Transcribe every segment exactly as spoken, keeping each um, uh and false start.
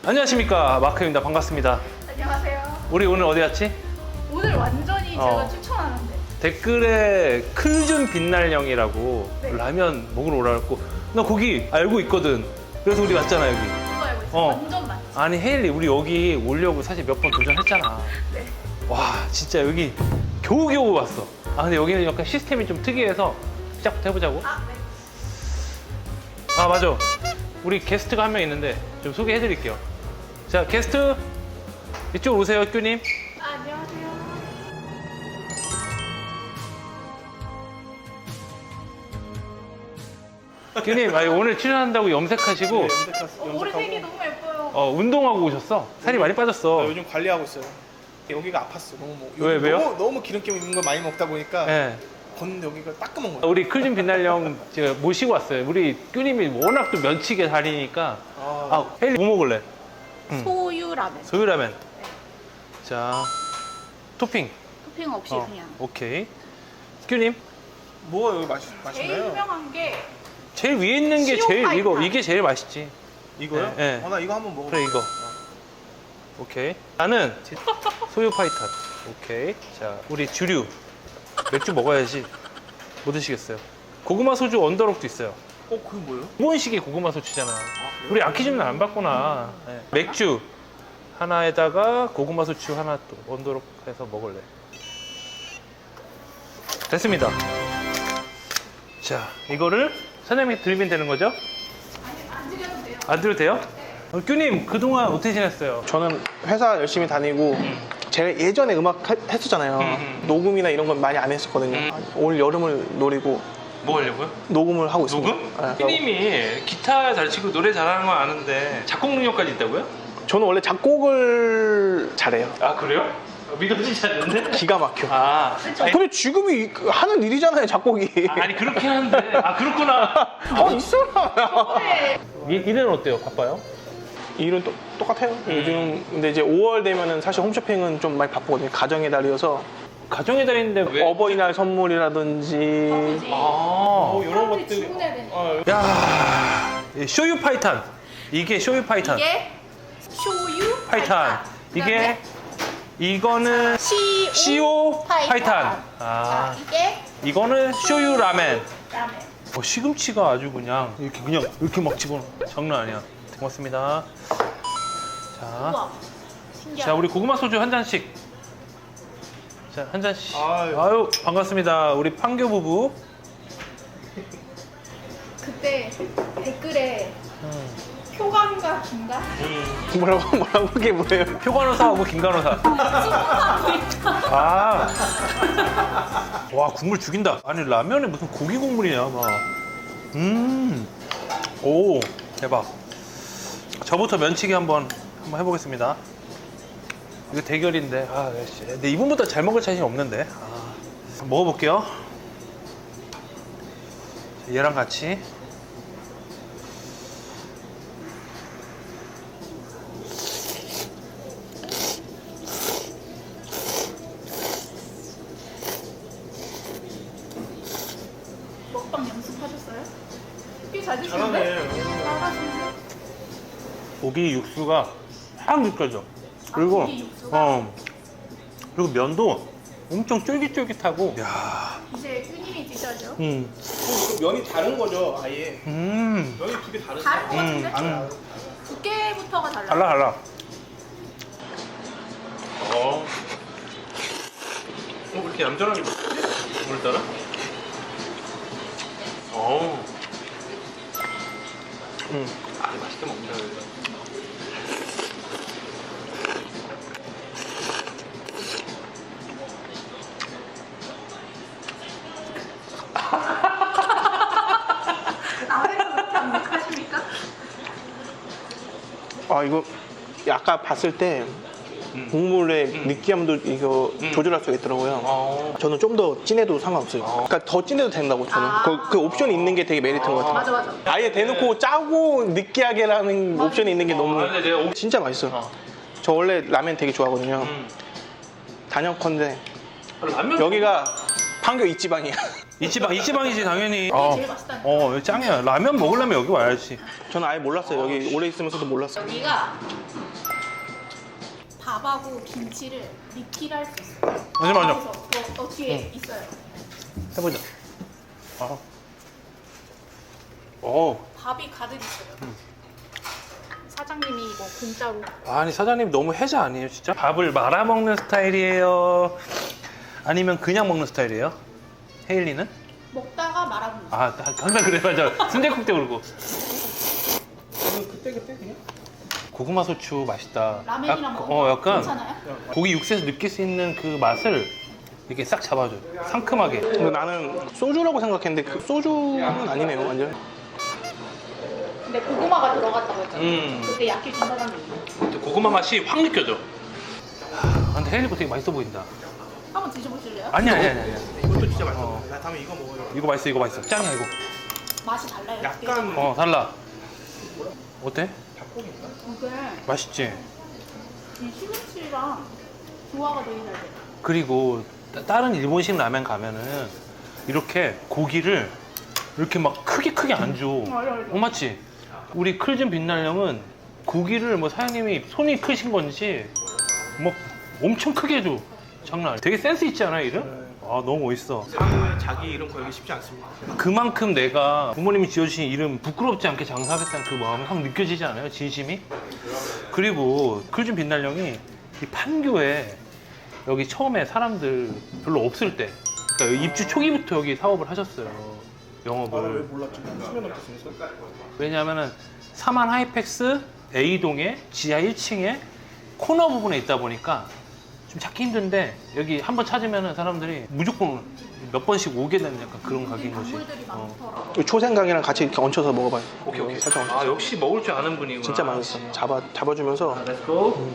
안녕하십니까, 마크입니다. 반갑습니다. 안녕하세요. 우리 오늘 어디 갔지? 오늘 완전히 어. 제가 추천하는데 댓글에 클준 빛날령이라고 네. 라면 먹으러 오라고. 나 거기 알고 있거든. 그래서 우리 왔잖아 여기. 그거 알고 있어요. 어. 완전 맛있어. 아니 헤일리, 우리 여기 오려고 사실 몇 번 도전했잖아. 네. 와 진짜 여기 겨우겨우 왔어. 아 근데 여기는 약간 시스템이 좀 특이해서 시작부터 해보자고. 아, 네. 아 맞아, 우리 게스트가 한 명 있는데 좀 소개해드릴게요. 자, 게스트 이쪽 오세요, 큐님. 아, 안녕하세요. 큐님, 아니, 오늘 출연한다고 염색하시고 네, 염색하, 어, 머리 색이 너무 예뻐요. 어, 운동하고 오셨어. 살이 많이 빠졌어. 아, 요즘 관리하고 있어요. 여기가 아팠어. 너무 뭐, 왜, 요즘 왜요? 너무, 너무 기름기 있는 걸 많이 먹다 보니까 네. 걷는데 여기가 따끔한 거야. 우리 클준 빛날령 제가 모시고 왔어요. 우리 큐님이 워낙 또 면치게 다리니까. 아, 아, 헤일리 뭐 먹을래? 응. 소유라면. 소유라면. 자, 토핑. 토핑 없이 어, 그냥. 오케이. 큐님, 뭐가 여기 맛있, 제일 맛있나요? 유명한 게 제일 위에 있는 게 시오 제일 이거 파이탄. 이게 제일 맛있지. 이거요? 네, 네. 어, 나 이거 한번 먹어. 그래, 이거. 오케이. 나는 소유 파이탄. 오케이. 자, 우리 주류 맥주 먹어야지. 뭐 드시겠어요? 고구마 소주 언더록도 있어요. 어, 그게 뭐예요? 일본식의 고구마 소주잖아. 우리 아키즈는 안 봤구나. 네. 맥주 하나에다가 고구마 소주 하나 또 언더록 해서 먹을래. 됐습니다. 자, 이거를 사장님이 드리면 되는 거죠? 아니, 안 드려도 돼요. 안 드려도 돼요? 어, 큐님, 그동안 어떻게 지냈어요? 저는 회사 열심히 다니고 제가 예전에 음악 하- 했었잖아요. 음. 녹음이나 이런 건 많이 안 했었거든요. 음. 올 여름을 노리고 뭐 하려고요? 녹음을 하고 있습니다. 녹음? 네. 큐님이 기타 잘 치고 노래 잘하는 건 아는데 작곡 능력까지 있다고요? 저는 원래 작곡을 잘해요. 아, 그래요? 믿어지지 않는데? 기가 막혀. 아, 아니, 근데 지금이 하는 일이잖아요, 작곡이. 아니 그렇긴 한데. 아, 그렇구나. 어, 있어라. 네. 이, 일은 어때요? 바빠요? 일은 또, 똑같아요. 요즘 근데 이제 오월 되면은 사실 홈쇼핑은 좀 많이 바쁘거든요. 가정의 달이어서 가정의 달인데 왜? 어버이날 선물이라든지 아버지. 아, 이런 사람들이 것들. 주문해야 되니까. 어, 야, 이 쇼유 파이탄. 이게 쇼유 파이탄. 이게 쇼유 파이탄. 이게 이거는 시오, 시오 파이탄. 파이탄. 아, 자, 이게 이거는 쇼유 라멘. 라면. 어, 시금치가 아주 그냥 이렇게 그냥 이렇게 막 집어넣어. 장난 아니야. 고맙습니다. 자, 우와. 신기하다. 자, 우리 고구마 소주 한 잔씩. 자, 한 잔씩. 아유. 아유, 반갑습니다. 우리 판교 부부. 그때 댓글에 음. 표감과 김가? 뭐라고 뭐라고 그게 뭐예요? 표간호사하고 김간호사. 아, 와, 국물 죽인다. 아니, 라면에 무슨 고기 국물이냐, 막. 음, 오, 대박. 저부터 면치기 한번 한번 해보겠습니다. 이거 대결인데, 아, 씨. 근데 이분보다 잘 먹을 자신이 없는데. 아, 먹어볼게요. 얘랑 같이. 먹방 연습하셨어요? 꽤 잘 드시는데? 잘하네. 잘하시는데? 고기 육수가 확 느껴져. 그리고 고기 육수가? 어 그리고 면도 엄청 쫄깃쫄깃하고. 야, 이제 큐님이 드셔야죠. 음, 면이 다른 거죠, 아예. 음, 면이 두 개 다른. 다른 거 같은데? 음. 두께부터가 달라요. 달라 달라. 어, 어, 왜 이렇게 얌전하게 먹지? 오늘따라? 어, 음. 아, 맛있게 먹는다. 그래도. 나회가 그렇게 안 하십니까? 아 이거 아까 봤을 때 음. 국물의 음. 느끼함도 이거 음. 조절할 수가 있더라고요. 어, 저는 좀 더 진해도 상관없어요. 어. 그러니까 더 진해도 된다고 저는. 아. 그, 그 옵션이 있는 게 되게 메리트인 것 같아요. 맞아 맞아. 아예 대놓고 짜고 느끼하게라는 옵션이 있는 게 너무 아, 근데 내가 오- 진짜 맛있어요. 어. 저 원래 라면 되게 좋아하거든요. 음. 단연컨대 라면 여기가 판교 이지방이야. 이지방 이지방이지 당연히. 어. 제일 맛있다니까. 어 여기 짱이야. 라면 먹으려면 여기 와야지. 저는 아예 몰랐어요. 여기 오래 있으면서도 몰랐어요. 여기가 밥하고 김치를 리필할 수 있어요. 잠시만요. 그래서 뭐 어떻게 있어요? 해보자. 아. 어. 밥이 가득 있어요. 사장님이 이거 공짜로. 아니 사장님 너무 해자 아니에요 진짜? 밥을 말아 먹는 스타일이에요? 아니면 그냥 먹는 스타일이에요? 헤일리는? 먹다가 말아먹는 거. 아 항상 그래 맞아. 순댓국 때 그러고. 그때 그때 그냥. 고구마 소추 맛있다. 라면이랑 약- 먹으면 어 약간 괜찮아요? 고기 육수에서 느낄 수 있는 그 맛을 이렇게 싹 잡아줘요. 상큼하게. 근데 나는 소주라고 생각했는데 그 소주는 아니네요, 완전. 근데 고구마가 들어갔다고 했잖아요. 음. 그때 약해 준다는 얘기. 근데 고구마 맛이 확 느껴져. 아, 근데 헤일리거 되게 맛있어 보인다. 한번 드셔보실래요? 아니 아니 아니 아니. 이것도 진짜 맛있어. 어. 나 다음에 이거 먹어요. 이거 맛있어 이거 맛있어. 짱이야 이거. 맛이 달라요. 약간 어 달라. 어때? 닭고기인가? 이게 맛있지? 이 시금치랑 조화가 되게 잘 돼요. 그리고 따- 다른 일본식 라면 가면은 이렇게 고기를 이렇게 막 크게 크게 안 줘. 맞아, 맞아. 어 맞지? 우리 클진 빛날 형은 고기를 뭐 사장님이 손이 크신 건지 뭐 엄청 크게 줘. 장난 아니야. 되게 센스 있지 않아 이름? 아 너무 멋있어. 상호에 자기 이름 걸기 쉽지 않습니다. 그만큼 내가 부모님이 지어주신 이름 부끄럽지 않게 장사하겠다는 그 마음이 확 느껴지지 않아요? 진심이? 그리고 클진 빛날 형이 이 판교에 여기 처음에 사람들 별로 없을 때 그러니까 입주 초기부터 여기 사업을 하셨어요. 영업을. 몰랐지? 수면 넘겠습니까? 왜냐하면은 사만 하이펙스 A동에 지하 일 층에 코너 부분에 있다 보니까 좀 찾기 힘든데 여기 한번 찾으면은 사람들이 무조건 몇 번씩 오게 되는 약간 그런 가게인 거지. 단물들이 어. 많더라고요. 초생강이랑 같이 이렇게 얹혀서 먹어봐요. 살짝 얹혀서. 아 역시 먹을 줄 아는 분이구나. 진짜 맛있어. 잡아 잡아주면서. 렛츠고.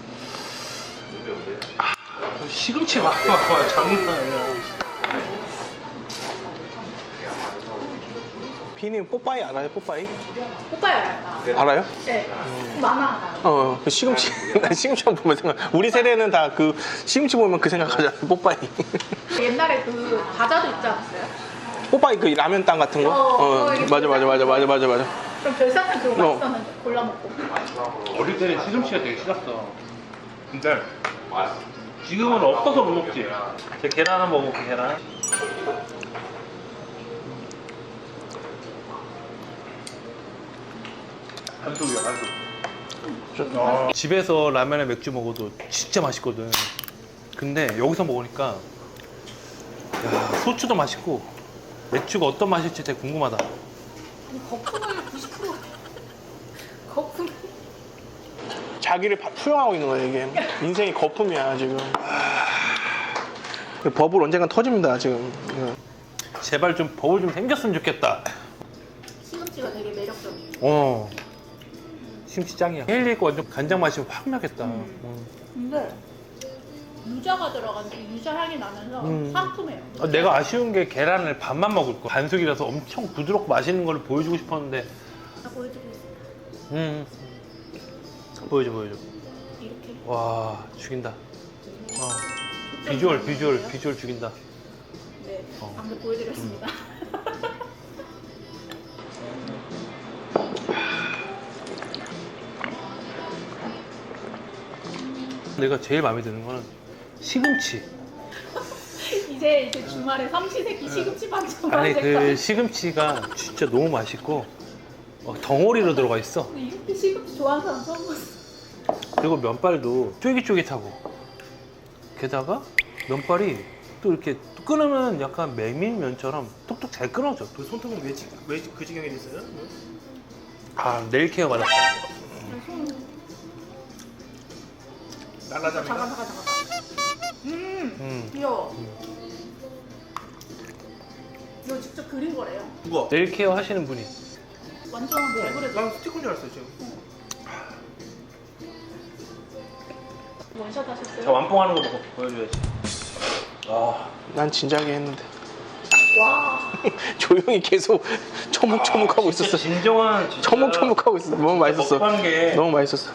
아, 시금치 막 봐, 장난 아니야. 비님 뽀빠이 알아요? 뽀빠이? 오빠요, 알아요? 알아요? 네. 많아. 어, 그 시금치. 나 시금치만 보면 생각. 우리 세대는 다 그 시금치 보면 그 생각하잖아. 뽀빠이. 옛날에 그 과자도 있지 않았어요? 뽀빠이 그 라면 땅 같은 거? 어, 어, 그거 이게 맞아, 맞아, 맞아, 맞아, 맞아, 맞아. 그럼 별상은 그거 어. 맛있었는데 골라 먹고. 어릴 때는 시금치가 되게 싫었어. 근데 지금은 없어서 못 먹지. 제 계란 하나 먹어볼게, 계란. 한쪽이야, 한쪽. 집에서 라면에 맥주 먹어도 진짜 맛있거든. 근데 여기서 먹으니까 야, 소주도 맛있고 맥주가 어떤 맛일지 되게 궁금하다. 아니, 거품을 구십 퍼센트. 거품. 자기를 파- 투영하고 있는 거야, 이게. 인생이 거품이야, 지금. 버블 언젠간 터집니다, 지금. 이거. 제발 좀 버블 좀 생겼으면 좋겠다. 시금치가 되게 매력적이에요. 어. 심치 짱이야. 헤일리 거 완전 간장 맛이 확 나겠다. 음. 음. 근데 유자가 들어가서 유자 향이 나면서 음. 상큼해요. 아, 내가 아쉬운 게 계란을 반만 먹을 거. 반숙이라서 엄청 부드럽고 맛있는 걸 보여주고 싶었는데. 다 보여주고 있습니다. 음. 보여줘, 보여줘. 이렇게. 와, 죽인다. 어. 비주얼, 비주얼, 비주얼 죽인다. 네, 어. 방금 보여드렸습니다. 내가 제일 마음에 드는 거는 시금치. 이제 이제 주말에 삼시세끼 시금치 반찬 아니 그 만들까? 시금치가 진짜 너무 맛있고 어, 덩어리로 들어가 있어. 이렇게 시금치 좋아하는 사람 처음 봤어. 그리고 면발도 쫄깃쫄깃하고 게다가 면발이 또 이렇게 끊으면 약간 메밀면처럼 뚝뚝 잘 끊어져. 그 손톱은 왜, 지- 왜 그 지경에 있어요? 아 네일 케어 받았어. 손 날라잡니다. 잠깐 잠깐 잠깐. 음, 음. 귀여워. 이거 직접 그린 거래요. 누가? 네일 케어 하시는 분이. 완전 잘 그려져. 난 스티커인 줄 알았어요, 지금. 원샷 하셨어요? 저 완봉하는 거 보고 보여줘야지. 아, 난 진작에 했는데. 와. 조용히 계속 처묵처묵하고 진짜 있었어. 진정한 진짜 처묵처묵하고 있었어. 너무 맛있었어. 먹방계 너무 맛있었어.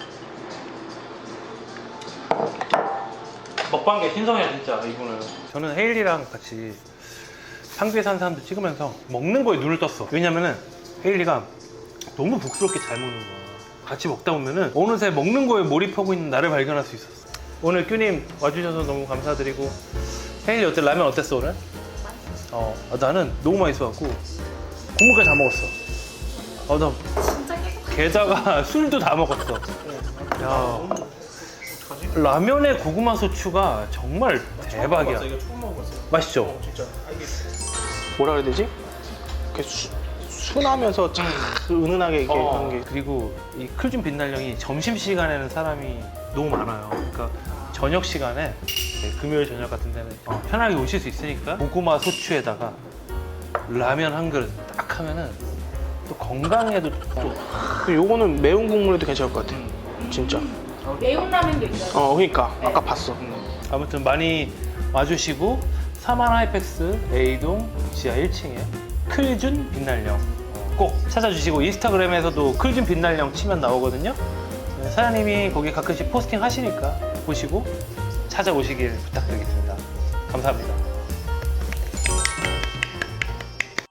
먹방계 신성이야 진짜 이분은. 저는 헤일리랑 같이 상주에 사는 사람들 찍으면서 먹는 거에 눈을 떴어. 왜냐면은 헤일리가 너무 복스럽게 잘 먹는 거야. 같이 먹다 보면은 어느새 먹는 거에 몰입하고 있는 나를 발견할 수 있었어. 오늘 큐님 와주셔서 너무 감사드리고. 헤일리 어때? 라면 어땠어 오늘? 어, 아, 나는 너무 맛있어갖고 국물까지 다 먹었어. 어, 나 진짜 깨끗해. 게다가 술도 다 먹었어. 야, 라면에 고구마 소추가 정말 대박이야. 이거 처음 먹어봤어. 맛있죠? 진짜. 뭐라 그래야 되지? 이렇게 수, 순하면서 참 은은하게 이렇게 어, 하는 게. 그리고 이 클준 빛날령이 점심 시간에는 사람이 너무 많아요. 그러니까 저녁 시간에 네, 금요일 저녁 같은 데는 어, 편하게 오실 수 있으니까 고구마 소추에다가 라면 한 그릇 딱 하면은 또 건강에도 또 그리고 요거는 매운 국물에도 괜찮을 것 같아. 진짜. 매운 라면도 있어요. 어, 그러니까 네. 아까 봤어. 아무튼 많이 와주시고 사만 하이펙스 A동 지하 일 층에 클준 빛날령 꼭 찾아주시고 인스타그램에서도 클준 빛날령 치면 나오거든요. 네, 사장님이 거기 가끔씩 포스팅 하시니까 보시고 찾아오시길 부탁드리겠습니다. 감사합니다.